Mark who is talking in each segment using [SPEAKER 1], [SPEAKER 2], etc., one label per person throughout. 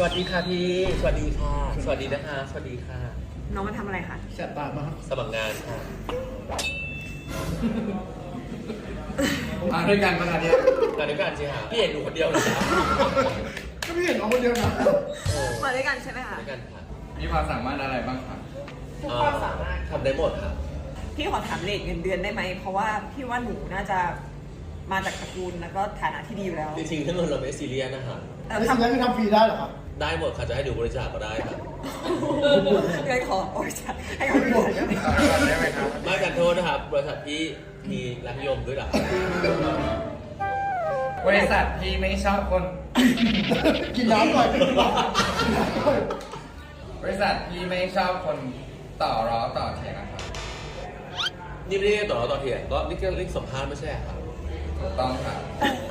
[SPEAKER 1] วัสดีค่ะพี่สวัสดีค่ะสวัสดีนะคะสวัสดีค่ะ
[SPEAKER 2] น้องมาทำอะไรคะ
[SPEAKER 3] แสบตามาก
[SPEAKER 1] สมัครงานค่ะ
[SPEAKER 3] ด้วยกันขนาดนี้
[SPEAKER 1] มาด้วยกันสิฮะพี่เห็นหนูคนเดียวเหรอ
[SPEAKER 3] ก็ไม่เห็นน้องคนเดียวนะ
[SPEAKER 2] มาด้วยกันใช่ไหมคะ
[SPEAKER 1] ด้วยกันค่ะ
[SPEAKER 3] มีความสามารถอะไรบ้างครับ
[SPEAKER 2] ทุกความสามารถ
[SPEAKER 1] ทำได้หมดครับ
[SPEAKER 2] พี่ขอถามเรทเงินเดือนได้ไหมเพราะว่าพี่ว่าหนูน่าจะมาจากตระกูลแล้วก็ฐานะที่ดีอยู่แล้ว
[SPEAKER 1] จริงๆเรื่องเงินเราไม่ซีเรียสนะคะ
[SPEAKER 3] ทำได้ไม่ทำฟรีได้หรอครับ
[SPEAKER 1] ได้หมดค่ะจะให้ดูบริจาคก็ได้ครับ
[SPEAKER 2] งั้นขอบริจาคให้เขาดู
[SPEAKER 3] ได้ไหมครับ
[SPEAKER 1] ไม่กันโทษนะครับบริษัทพี่มีรักนิยมด้วยหร
[SPEAKER 4] บริษัทพี่ไม่ชอบคน
[SPEAKER 3] กินน้ำก่อน
[SPEAKER 4] บริษัทพี่ไม่ชอบคนต่อร้อต่อเถียงนะครับ
[SPEAKER 1] นี่ไม่ได้ต่อเราต่อเถียงก็นี่ก็เรียกสัมภาษณ์ไม่ใช่ครับ
[SPEAKER 4] ถูกต้องครับ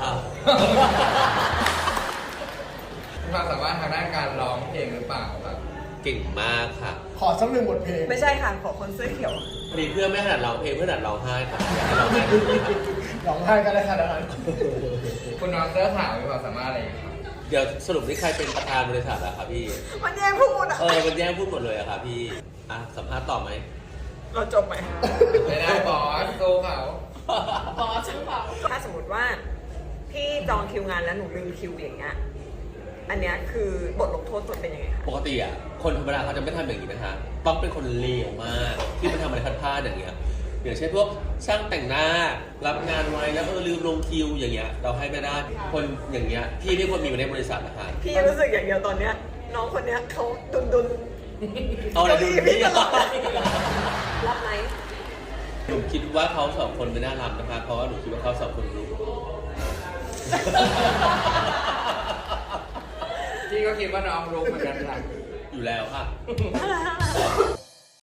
[SPEAKER 4] มีความสามารถทางด้านการร้องเพลงหรือเปล่าครับ
[SPEAKER 1] เก่งมากค่ะ
[SPEAKER 3] ขอสักหนึ่งบทเพลง
[SPEAKER 2] ไม่ใช่ค่ะขอคนเสื้อเขียว
[SPEAKER 1] มีเพื่อนไม่ขนาดร้องเพลงเพื่อนขนาดร้องไห้ค่ะ
[SPEAKER 3] ร้องไห้กันได้ขนาดนั้น
[SPEAKER 4] คุณน้องเสื้อขาวมีความสามารถอะไรครับ
[SPEAKER 1] เดี๋ยวสรุปนี่ใครเป็นประธานบริษัทอะครับพี่
[SPEAKER 2] มันแย่งพูดอะ
[SPEAKER 1] มันแย่งพูดหมดเลยอะครับพี่สัมภาษณ์ต่อไหม
[SPEAKER 2] เราจบไหม
[SPEAKER 4] ไม่ได้บอสสู้เขา
[SPEAKER 2] บอสใช่เปล่าถ้าสมมติว่าพี่จองคิวงานแล้วหนูลืมคิวอย่างเงี้ยอันเนี้ยคือบทลงโทษตัวเป็นยังไงคะ
[SPEAKER 1] ปกติอ่ะคนธรรมดาเขาจะไม่ทำอย่างนี้นะคะต้องเป็นคนเลวมากที่มาทำอะไรพลาดๆอย่างเงี้ยอย่างเช่นพวกช่างแต่งหน้ารับงานไว้แล้วลืมลงคิวอย่างเงี้ยเราให้ไม่ได้คนอย่างเงี้ยพี่ไม่ควรมีในบริษัทนะคะ
[SPEAKER 2] พี่รู้สึกอย่างเดียวตอนเนี้ยน้องคนเนี้ยเขาดุน
[SPEAKER 1] เอาอะไรดุนพี่
[SPEAKER 2] รับไหม
[SPEAKER 1] หนูคิดว่าเขาสองคนไม่น่ารับนะคะเพราะว่าหนูคิดว่าเขาสองคนรู้
[SPEAKER 4] พี่ก็คิดว่าน้องรู้เหมือนกันค่ะ
[SPEAKER 1] อยู่แล้วค่ะ